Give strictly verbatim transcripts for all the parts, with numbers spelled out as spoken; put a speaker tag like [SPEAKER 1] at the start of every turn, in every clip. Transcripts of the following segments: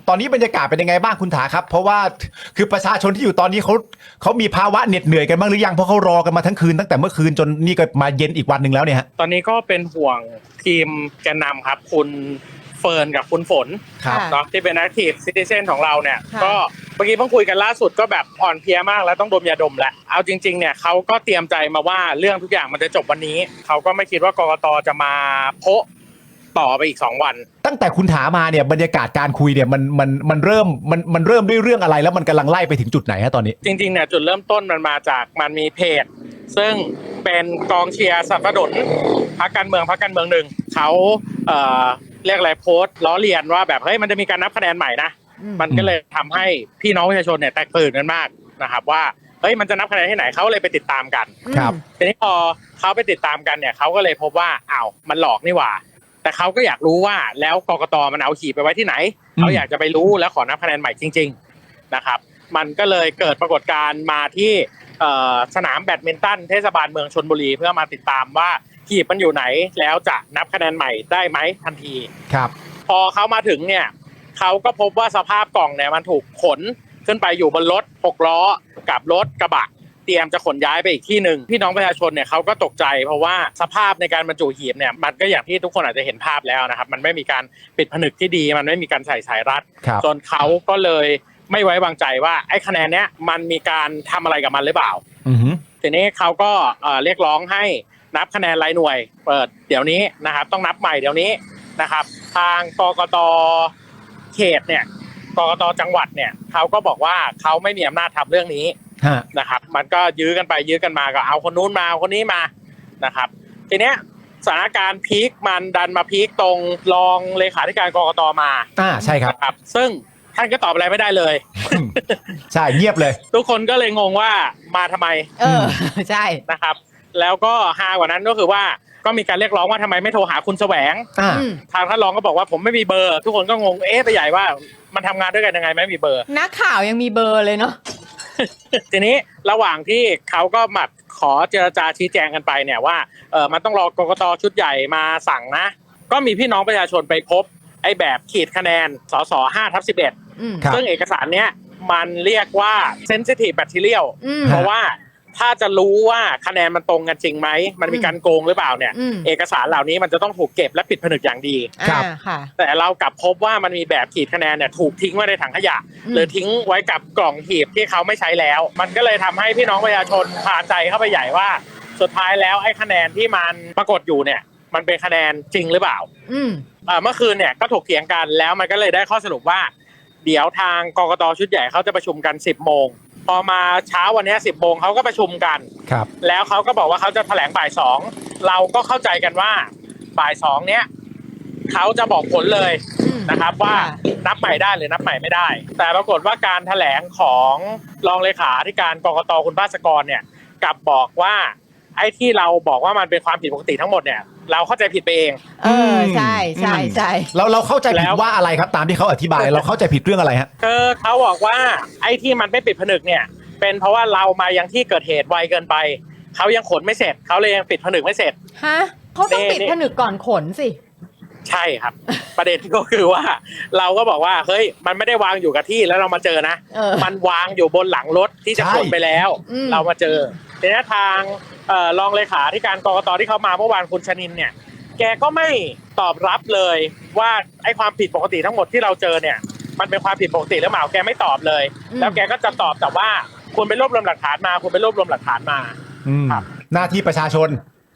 [SPEAKER 1] ตอนนี้บรรยากาศเป็นยังไงบ้างคุณถาครับเพราะว่าคือประชาชนที่อยู่ตอนนี้เขาเขามีภาวะเหน็ดเหนื่อยกันบ้างหรือยังเพราะเขารอกันมาทั้งคืนตั้งแต่เมื่อคืนจนนี่ก็มาเย็นอีกวันหนึ่งแล้วเนี่ยฮะ
[SPEAKER 2] ตอนนี้ก็เป็นห่วงทีมแกนนำครับคุณเฟิร์นกับคุณฝนเนาะที่เป็น Active Citizen ของเราเนี่ยก็เมื่อกี้เพิ่งคุยกันล่าสุดก็แบบอ่อนเพลียมากแล้วต้องดมยาดมแหละเอาจริงๆเนี่ยเขาก็เตรียมใจมาว่าเรื่องทุกอย่างมันจะจบวันนี้เขาก็ไม่คิดว่ากกตจะมาโพะต่อไปอีกสองวัน
[SPEAKER 1] ตั้งแต่คุณถามาเนี่ยบรรยากาศการคุยเนี่ยมันมันมันเริ่มมันมันเริ่มด้วยเรื่องอะไรแล้วมันกำลังไล่ไปถึงจุดไหนฮะตอนนี้
[SPEAKER 2] จริงๆเนี่ยจุดเริ่มต้นมันมาจากมันมีเพจซึ่งเป็นกองเชียร์สนับสนุนพรรคการเมืองพรรคการเมืองหนึ่งเขาเอ่อเรียกอะไรโพสต์ล้อเลียนว่าแบบเฮ้ยมันจะมีการนับคะแนนใหม่นะมันก็เลยทำให้พี่น้องประชาชนเนี่ยแตกตื่นกันมากนะครับว่าเฮ้ยมันจะนับคะแนนที่ไหนเขาเลยไปติดตามกัน
[SPEAKER 1] ครับ
[SPEAKER 2] ทีนี้พอเขาไปติดตามกันเนี่ยเขาก็เลยพบว่าอ้าวมันหลอกนี่หว่าแต่เขาก็อยากรู้ว่าแล้วกกตมันเอาหีบไปไว้ที่ไหนเขาอยากจะไปรู้แล้วขอนับคะแนนใหม่จริงๆนะครับมันก็เลยเกิดปรากฏการณ์มาที่สนามแบดมินตันเทศบาลเมืองชลบุรีเพื่อมาติดตามว่าหีบมันอยู่ไหนแล้วจะนับคะแนนใหม่ได้ไหมทันที
[SPEAKER 1] ครับ
[SPEAKER 2] พอเขามาถึงเนี่ยเขาก็พบว่าสภาพกล่องเนี่ยมันถูกขนขึ้นไปอยู่บนรถหกล้อกับรถกระบะเตรียมจะขนย้ายไปอีกที่หนึ่งพี่น้องประชาชนเนี่ยเขาก็ตกใจเพราะว่าสภาพในการบรรจุหีบเนี่ยมันก็อย่างที่ทุกคนอาจจะเห็นภาพแล้วนะครับมันไม่มีการปิดผนึกที่ดีมันไม่มีการใส่สายรัดจนเขาก็เลยไม่ไว้วางใจว่าไอ้คะแนนเนี้ยมันมีการทำอะไรกับมันหรือเปล่าทีนี้เขาก็เรียกร้องให้นับคะแนนรายหน่วยเปิดเดี๋ยวนี้นะครับต้องนับใหม่เดี๋ยวนี้นะครับทางกกตเขตเนี่ยกกตจังหวัดเนี่ยเขาก็บอกว่าเขาไม่มีอำนาจทำเรื่องนี้นะครับมันก็ยื้อกันไปยื้อกันมาก็เอาคนนู้นมาเอาคนนี้มานะครับทีเนี้ยสถานการณ์พีคมันดันมาพีคตรงรองเลขาธิการกกตมา
[SPEAKER 1] อ่าใช่ครับ
[SPEAKER 2] ครับซึ่งท่านก็ตอบอะไรไม่ได้เลย
[SPEAKER 1] ใช่เงียบเลย
[SPEAKER 2] ทุกคนก็เลยงงว่ามาทำไม
[SPEAKER 3] เออใช่
[SPEAKER 2] นะครับแล้วก็ฮากว่านั้นก็คือว่าก็มีการเรียกร้องว่าทำไมไม่โทรหาคุณแสวงทางท่านรองก็บอกว่าผมไม่มีเบอร์ทุกคนก็งงเอ๊ะไปใหญ่ว่ามันทำงานด้วยกันยังไงไม่มีเบอร์
[SPEAKER 3] นักข่าวยังมีเบอร์เลยเนาะ
[SPEAKER 2] ทีนี้ระหว่างที่เขาก็มาขอเจรจาชี้แจงกันไปเนี่ยว่าเออมันต้องรอกกตชุดใหญ่มาสั่งนะก็มีพี่น้องประชาชนไปพบไอ้แบบขีดคะแนนสสห้าทับสิบเอ็ดซึ่งเอกสารเนี้ยมันเรียกว่า sensitive material เพราะว่าถ้าจะรู้ว่าคะแนนมันตรงกันจริงไหมมันมีการโกงหรือเปล่าเนี่ยเอกสารเหล่านี้มันจะต้องถูกเก็บและปิดผนึกอย่างดี
[SPEAKER 3] ครับ
[SPEAKER 2] แต่เรากลับพบว่ามันมีแบบขีดคะแนนเนี่ยถูกทิ้งไว้ในถังขยะหรือทิ้งไว้กับกล่องหีบที่เขาไม่ใช้แล้วมันก็เลยทำให้พี่น้องประชาชนพาใจเข้าไปใหญ่ว่าสุดท้ายแล้วไอ้คะแนนที่มันปรากฏอยู่เนี่ยมันเป็นคะแนนจริงหรือเปล่าเมื่อคืนเนี่ยก็ถกเถียงกันแล้วมันก็เลยได้ข้อสรุปว่าเดี๋ยวทางกกตชุดใหญ่เขาจะประชุมกันสิบโมงพอมาเช้าวันนี้สิบโมงเขาก็ประชุมกัน
[SPEAKER 1] ครับ
[SPEAKER 2] แล้วเขาก็บอกว่าเขาจะแถลงบ่ายสองเราก็เข้าใจกันว่าบ่ายสองเนี้ยเขาจะบอกผลเลยนะครับว่านับใหม่ได้หรือนับใหม่ไม่ได้แต่ปรากฏว่าการแถลงของรองเลขาธิการกกตคุณภาสกรเนี่ยกลับบอกว่าไอ้ที่เราบอกว่ามันเป็นความผิดปกติทั้งหมดเนี่ยเราเข้าใจผิดไปเอง
[SPEAKER 3] เออใช่ใช่ใช่
[SPEAKER 1] เราเราเข้าใจผิดว่าอะไรครับตามที่เขาอธิบายเราเข้าใจผิดเรื่องอะไรฮะ
[SPEAKER 2] คือเขาบอกว่าไอ้ที่มันไม่ปิดผนึกเนี่ยเป็นเพราะว่าเรามายังที่เกิดเหตุไวเกินไปเขายังขนไม่เสร็จเขาเลยยังปิดผนึกไม่เสร็จ
[SPEAKER 3] ฮะเขาต้องปิดผนึกก่อนขนสิ
[SPEAKER 2] ใช่ครับประเด็นก็คือว่าเราก็บอกว่าเฮ้ยมันไม่ได้วางอยู่กับที่แล้วเรามาเจอนะมันวางอยู่บนหลังรถที่จะขนไปแล้วเรามาเจอทีนี้ทางรองเลขาธิการกกตที่เขามาเมื่อวานคุณชนินเนี่ยแกก็ไม่ตอบรับเลยว่าไอ้ความผิดปกติทั้งหมดที่เราเจอเนี่ยมันเป็นความผิดปกติหรือเปล่าแกไม่ตอบเลยแล้วแกก็จะตอบแต่ว่าคุณไปรวบรวมหลักฐานมาคุณไปรวบรวมหลักฐานมา
[SPEAKER 1] ครับหน้าที่ประชาชน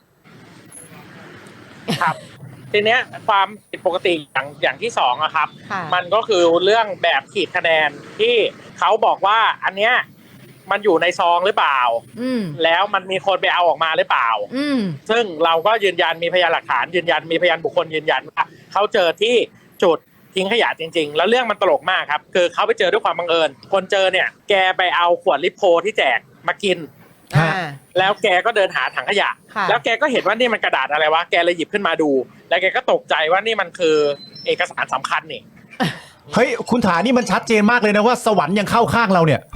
[SPEAKER 2] ครับทีเนี้ยความผิดปกติอย่างอย่างที่สองอะครับมันก็คือเรื่องแบบขีดคะแนนที่เขาบอกว่าอันเนี้ยมันอยู่ในซองหรือเปล่าแล้วมันมีคนไปเอาออกมาหรือเปล่าซึ่งเราก็ยืนยันมีพยานหลักฐานยืนยันมีพยานบุคคลยืนยันว่าเขาเจอที่จุดทิ้งขยะจริงๆแล้วเรื่องมันตลกมากครับคือเขาไปเจอด้วยความบังเอิญคนเจอเนี่ยแกไปเอาขวดลิโพที่แจกมากินแล้วแกก็เดินหาถังขยะแล้วแกก็เห็นว่านี่มันกระดาษอะไรวะแกเลยหยิบขึ้นมาดูแล้วแกก็ตกใจว่านี่มันคือเอกสารสำคัญนี่
[SPEAKER 1] เฮ้ยคุณถานี่มันชัดเจนมากเลยนะว่าสวรรค์ยังเข้าข้างเราเนี่ย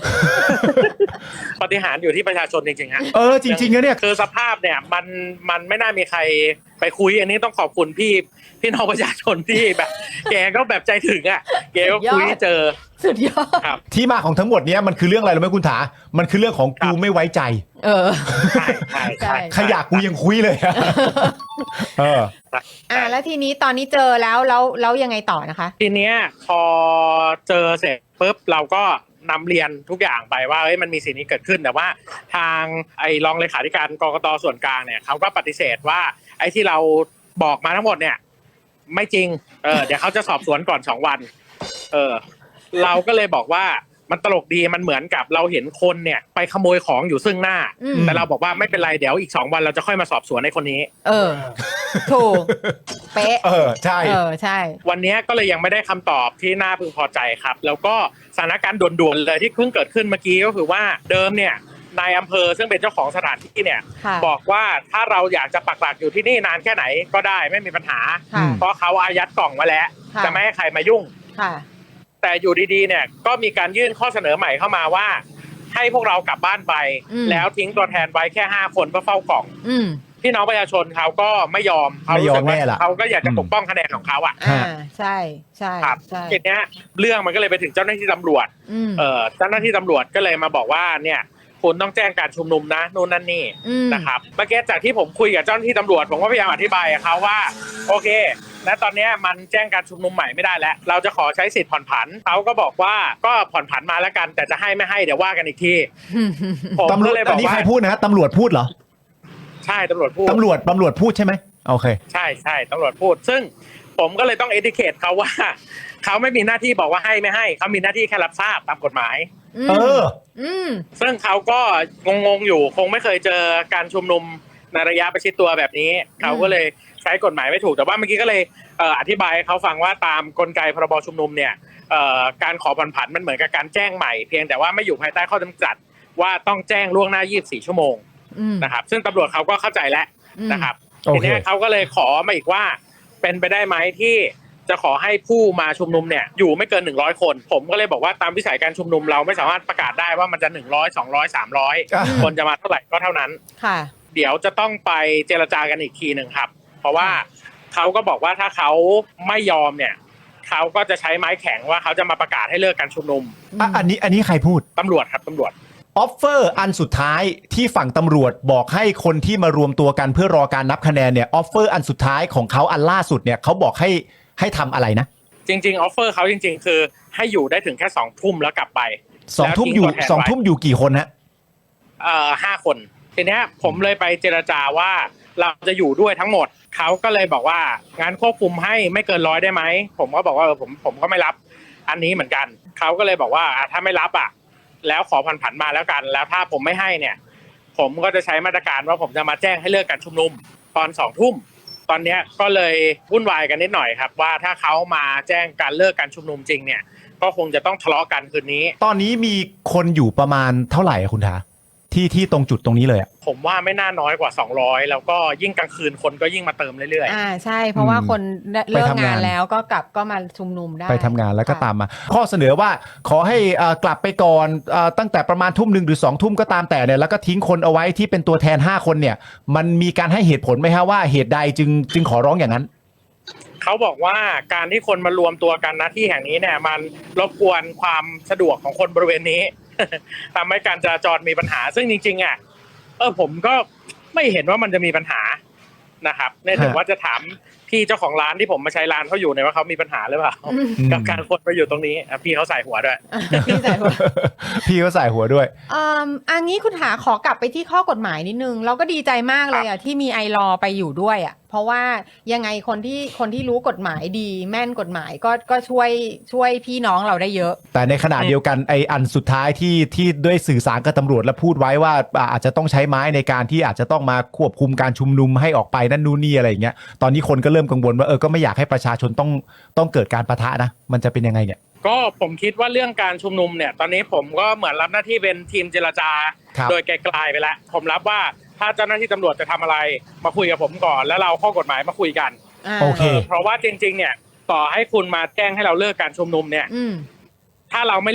[SPEAKER 2] ปฏิหารย์อยู่ที่ประชาชนจริงๆฮะ
[SPEAKER 1] เออจริงๆนะเนี่ย
[SPEAKER 2] คือสภาพเนี่ยมันมันไม่น่ามีใครไปคุยอันนี้ต้องขอบคุณพี่พี่น้องประชาชนที่แบบ แกก็แบบใจถึงอ่ะแกก็คุยให้เจอ
[SPEAKER 3] สุดยอด
[SPEAKER 2] ครับ
[SPEAKER 1] ที่มาของทั้งหมดเนี้ยมันคือเรื่องอะไรรู้ไหมคุณถามันคือเรื่องของกูไม่ไว้ใจ
[SPEAKER 3] เออ
[SPEAKER 2] ใช่ใช่ใช่
[SPEAKER 1] ขยะกูยังคุยเลยอะเออ
[SPEAKER 3] อ่าแล้วทีนี้ตอนนี้เจอแล้วแล้วแล้วยังไงต่อนะคะ
[SPEAKER 2] ทีเนี้ยพอเจอเสร็จปุ๊บเราก็นำเรียนทุกอย่างไปว่าเฮ้ยมันมีสิ่งนี้เกิดขึ้นแต่ว่าทางไอ้รองเลขาธิการกกตส่วนกลางเนี่ยเขาก็ปฏิเสธว่าไอ้ที่เราบอกมาทั้งหมดเนี่ยไม่จริงเออเดี๋ยวเขาจะสอบสวนก่อนสองวันเออเราก็เลยบอกว่ามันตลกดีมันเหมือนกับเราเห็นคนเนี่ยไปขโมยของอยู่ซึ่งหน้า
[SPEAKER 3] อืม
[SPEAKER 2] แต่เราบอกว่าไม่เป็นไรเดี๋ยวอีกสองวันเราจะค่อยมาสอบสวนในคนนี้
[SPEAKER 3] เออ ถูก เป๊ะ
[SPEAKER 1] เออใช่
[SPEAKER 3] เออใช่
[SPEAKER 2] วันนี้ก็เลยยังไม่ได้คำตอบที่น่าพึงพอใจครับ แล้วก็สถานการณ์ด่วนๆเลยที่เพิ่งเกิดขึ้นเมื่อกี้ก็คือว่าเดิมเนี่ยนายอำเภอซึ่งเป็นเจ้าของสถานที่เนี่ย
[SPEAKER 3] ค่ะ
[SPEAKER 2] บอกว่าถ้าเราอยากจะปักหลักอยู่ที่นี่นานแค่ไหนก็ได้ไม่มีปัญหา
[SPEAKER 3] ค่ะ
[SPEAKER 2] เพราะเขาอายัดกล่องมาแล้ว
[SPEAKER 3] ค่ะ
[SPEAKER 2] จะไม่ให้ใครมายุ่ง
[SPEAKER 3] ค่ะ
[SPEAKER 2] แต่อยู่ดีๆเนี่ยก็มีการยื่นข้อเสนอใหม่เข้ามาว่า ให้พวกเรากลับบ้านไป
[SPEAKER 3] อืม
[SPEAKER 2] แล้วทิ้งตัวแทนไว้แค่ห้าคนเพื่อเฝ้ากล่อง
[SPEAKER 3] อืม
[SPEAKER 2] พี่น้องประชาชนเขาก็ไม่ยอมเขา
[SPEAKER 1] ไม่ย
[SPEAKER 2] รู้
[SPEAKER 1] อม
[SPEAKER 2] สึกว่า
[SPEAKER 1] แน่ล่ะ
[SPEAKER 2] เขาก็อยากจะ
[SPEAKER 1] อืม
[SPEAKER 2] ปกป้องคะแนนของเขาอ่ะ
[SPEAKER 3] อ่าใช่ใช่
[SPEAKER 2] ครับ
[SPEAKER 3] ใช่
[SPEAKER 2] ทีเนี้ยเรื่องมันก็เลยไปถึงเจ้าหน้าที่ตำรวจ
[SPEAKER 3] อืม
[SPEAKER 2] เอ่อเจ้าหน้าที่ตำรวจก็เลยมาบอกว่าเนี่ยคุณต้องแจ้งการชุมนุมนะนู่นนั่นนี่
[SPEAKER 3] อืม
[SPEAKER 2] นะครับเมื่อกี้จากที่ผมคุยกับเจ้าหน้าที่ตำรวจผมก็พยายามอธิบายกับเขาว่าโอเคณตอนเนี้ยมันแจ้งการชุมนุมใหม่ไม่ได้แล้วเราจะขอใช้สิทธิ์ผ่อนผันเขาก็บอกว่าก็ผ่อนผันมาแล้วกันแต่จะให้ไม่ให้เดี๋ยวว่ากันอีกทีผม
[SPEAKER 1] ตำรว
[SPEAKER 2] ก็
[SPEAKER 1] จ
[SPEAKER 2] เลยบ
[SPEAKER 1] อั
[SPEAKER 2] อน ก
[SPEAKER 1] นี้
[SPEAKER 2] ว่า
[SPEAKER 1] ใครพูดนะฮะตำรวจพูดเหรอ
[SPEAKER 2] ใช่ตำรวจพูด
[SPEAKER 1] ตำรวจตำรวจพูดใช่ไหมโอเค
[SPEAKER 2] ใช่ใช่ตำรวจพูด ซึ่งผมก็เลยต้องเอดิเคทเขาว่า เขาไม่มีหน้าที่บอกว่าให้ไม่ให้เขามีหน้าที่แค่รับทราบตามกฎหมาย
[SPEAKER 1] เออ
[SPEAKER 3] อืม
[SPEAKER 2] ซึ่งเขาก็งงๆอยู่คงไม่เคยเจอการชุมนุมในระยะประชิดตัวแบบนี้เขาก็เลยใช้กฎหมายไม่ถูกแต่ว่าเมื่อกี้ก็เลยเอ่ออธิบายให้เขาฟังว่าตามกลไกพรบชุมนุมเนี่ยเอ่อการขอผ่อนผันมันเหมือนกับการแจ้งใหม่เพียงแต่ว่าไม่อยู่ภายใต้ข้อจำกัดว่าต้องแจ้งล่วงหน้ายี่สิบสี่ชั่วโมง
[SPEAKER 3] อืม
[SPEAKER 2] นะครับซึ่งตำรวจเขาก็เข้าใจแล้ว
[SPEAKER 3] อืม
[SPEAKER 2] นะครับ
[SPEAKER 1] โอ
[SPEAKER 2] ที
[SPEAKER 1] เค
[SPEAKER 2] นี้เขาก็เลยขอมาอีกว่าเป็นไปได้ไหมที่จะขอให้ผู้มาชุมนุมเนี่ยอยู่ไม่เกินหนึ่งร้อยคนผมก็เลยบอกว่าตามวิสัยการชุมนุมเราไม่สามารถประกาศได้ว่ามันจะหนึ่งร้อยสองร้อยสามร้อย
[SPEAKER 1] อ่ะ
[SPEAKER 2] คนจะมาเท่าไหร่ก็เท่านั้น
[SPEAKER 3] ค่ะ
[SPEAKER 2] เดี๋ยวจะต้องไปเจรจากันอีกทีหนึ่งครับ เพราะว่าเขาก็บอกว่าถ้าเขาไม่ยอมเนี่ยเขาก็จะใช้ไม้แข็งว่าเขาจะมาประกาศให้เลิกการชุมนุม
[SPEAKER 1] อ่ะอันนี้อันนี้ใครพูด
[SPEAKER 2] ตำรวจครับตำรวจ
[SPEAKER 1] ออฟเฟอร์อันสุดท้ายที่ฝั่งตำรวจบอกให้คนที่มารวมตัวกันเพื่อรอการนับคะแนนเนี่ยออฟเฟอร์อันสุดท้ายของเขาอันล่าสุดเนี่ยเขาบอกให้ให้ทำอะไรนะ
[SPEAKER 2] จริงๆออฟเฟอร์เขาจริง ๆ คือให้อยู่ได้ถึงแค่สองทุ่มแล้วกลับไป
[SPEAKER 1] สองทุ่มอยู่
[SPEAKER 2] แล้วทิ้งตัวแทนไว้
[SPEAKER 1] สองทุ่มอยู่กี่คนฮะ
[SPEAKER 2] เอ่อห้าคนทีเนี้ยผมเลยไปเจรจาว่าเราจะอยู่ด้วยทั้งหมดเขาก็เลยบอกว่างั้นควบคุมให้ไม่เกินร้อยได้ไหมผมก็บอกว่าเออผมผมก็ไม่รับอันนี้เหมือนกันเขาก็เลยบอกว่าอ่ะถ้าไม่รับอ่ะแล้วขอผ่อนผันมาแล้วกัน แล้วถ้าผมไม่ให้เนี่ยผมก็จะใช้มาตรการว่าผมจะมาแจ้งให้เลิกการชุมนุมตอนสองทุ่มตอนเนี้ยก็เลยวุ่นวายกันนิดหน่อยครับว่าถ้าเขามาแจ้งการเลิกการชุมนุมจริงเนี่ยก็คงจะต้องทะเลาะกันคืนนี้
[SPEAKER 1] ตอนนี้มีคนอยู่ประมาณเท่าไหร่อะคุณทาที่ที่ตรงจุดตรงนี้เลยอะ
[SPEAKER 2] ผมว่าไม่น่าน้อยกว่าสองร้อยแล้วก็ยิ่งกลางคืนคนก็ยิ่งมาเติมเรื่อย
[SPEAKER 3] อ่าใช่ เพราะว่า
[SPEAKER 1] อืม
[SPEAKER 3] คนเลิก
[SPEAKER 1] ไปทำงาง
[SPEAKER 3] าน นแล้วก็กลับก็มาชุมนุมได้
[SPEAKER 1] ไปทำงานแล้วก็
[SPEAKER 3] ค่ะ
[SPEAKER 1] ตามมา ข้อเสนอว่าขอให้เอ่อกลับไปก่อนเอ่อตั้งแต่ประมาณทุ่มหนึ่งหรือสองทุ่มก็ตามแต่เนี่ยแล้วก็ทิ้งคนเอาไว้ที่เป็นตัวแทนห้าคนเนี่ย มันมีการให้เหตุผลไหมฮะว่าเหตุใดจึงจึงขอร้องอย่างนั้น
[SPEAKER 2] ๆเขาบอกว่าการที่คนมารวมตัวกันณที่แห่งนี้เนี่ยมันรบกวนความสะดวกของคนบริเวณนี้ ทำให้การจราจรมีปัญหา ซึ่งจริงๆอ่ะเออผมก็ไม่เห็นว่ามันจะมีปัญหานะครับเนี่ยถึงว่าจะถามพี่เจ้าของร้านที่ผมมาใช้ร้านเขาอยู่เนี่ยว่าเขามีปัญหาหรือเปล่า
[SPEAKER 3] อืม
[SPEAKER 2] กับการคนมาอยู่ตรงนี้อ่ะพี่เขาใส่หัวด้วย
[SPEAKER 3] พี่ใส่หัว
[SPEAKER 1] พี่ก็ใส่หัวด้วย
[SPEAKER 3] อืมอันนี้คุณหาขอกลับไปที่ข้อกฎหมายนิดนึง เราก็ดีใจมากเลยอ่ะที่มีไอรอไปอยู่ด้วยอ่ะเพราะว่ายังไงคนที่คนที่รู้กฎหมายดีแม่นกฎหมายก็ก็ช่วยช่วยพี่น้องเราได้เยอะ
[SPEAKER 1] แต่ในขณะเดียวกันไออันสุดท้ายที่ที่ด้วยสื่อสารกับตำรวจและพูดไว้ว่าอ่าอาจจะต้องใช้ไม้ในการที่อาจจะต้องมาควบคุมการชุมนุมให้ออกไปนั่นนู่นนี่อะไรอย่างเงี้ยตอนนี้คนก็เริ่มกังวลว่าเออก็ไม่อยากให้ประชาชนต้องต้องเกิดการปะทะนะมันจะเป็นยังไงเนี่ย
[SPEAKER 2] ก็ผมคิดว่าเรื่องการชุมนุมเนี่ยตอนนี้ผมก็เหมือนรับหน้าที่เป็นทีมเจรจา
[SPEAKER 1] ครับ
[SPEAKER 2] โดยไกลๆไปแล้วผมรับว่าถ้าเจ้าหน้าที่ตำรวจจะทำอะไรมาคุยกับผมก่อนแล้วเราข้อกฎหมายมาคุยกัน
[SPEAKER 3] อ่า
[SPEAKER 1] โอเค
[SPEAKER 2] เพราะว่าจริงๆเนี่ยต่อให้คุณมาแจ้งให้เราเลิกการชุมนุมเนี่ย
[SPEAKER 3] อืม
[SPEAKER 2] ถ้าเราไม่เลิก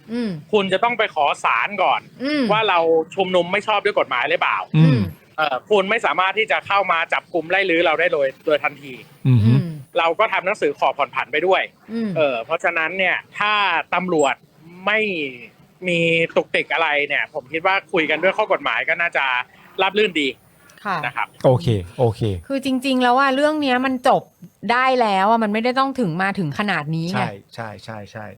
[SPEAKER 3] อืม
[SPEAKER 2] คุณจะต้องไปขอศาลก่อน
[SPEAKER 3] อืม
[SPEAKER 2] ว่าเราชุมนุมไม่ชอบด้วยกฎหมายหรือเปล่า
[SPEAKER 1] อืม
[SPEAKER 2] เออคุณไม่สามารถที่จะเข้ามาจับกุมไล่ลื้อเราได้โดยโดยทันที
[SPEAKER 1] อืม
[SPEAKER 3] อืม
[SPEAKER 2] เราก็ทำหนังสือขอผ่อนผันไปด้วย
[SPEAKER 3] อืม
[SPEAKER 2] เออเพราะฉะนั้นเนี่ยถ้าตำรวจไม่มีตุกติกอะไรเนี่ย ผมคิดว่าคุยกันด้วยข้อกฎหมายก็น่าจะราบรื่นดี
[SPEAKER 3] ค่ะ
[SPEAKER 2] นะครับ
[SPEAKER 1] โอเคโอเค
[SPEAKER 3] คือจริง ๆ แล้วว่าเรื่องเนี้ยมันจบได้แล้วอ่ะมันไม่ได้ต้องถึงมาถึงขนาดนี้ไง
[SPEAKER 1] ใช่ใช่ใช่ใช่